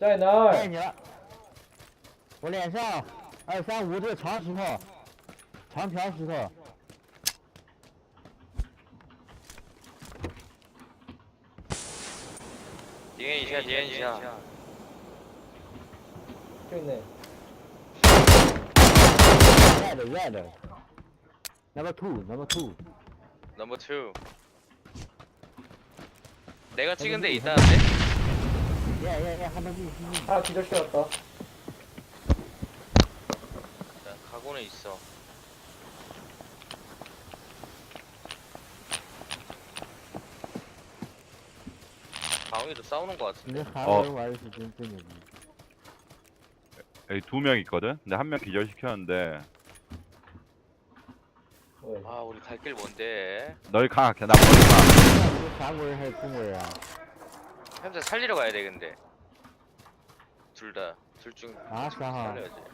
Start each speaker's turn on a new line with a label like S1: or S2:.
S1: 在哪儿？
S2: 带你了，我脸上235这个长石头，长条石头。
S3: 敌人一下，敌人一下。
S1: 对呢。
S2: Red. Number two.
S3: Number two. 내가 찍은 데 있다는데?
S2: 한번 더.
S1: 아 기절시켰다.
S3: 야, 가고는 있어. 강우이도 싸우는 거 같은데.
S2: 근데 한번 와이스 진짜
S4: 여기 2명 있거든? 근데 1명 기절시켰는데
S1: 왜?
S3: 아, 우리 갈 길 뭔데?
S4: 너희 가 그냥 나 버리지
S2: 한국인 해 중국이야.
S3: 현재 살리러 가야 돼 근데. 둘 중
S2: 아,
S3: 살려야지.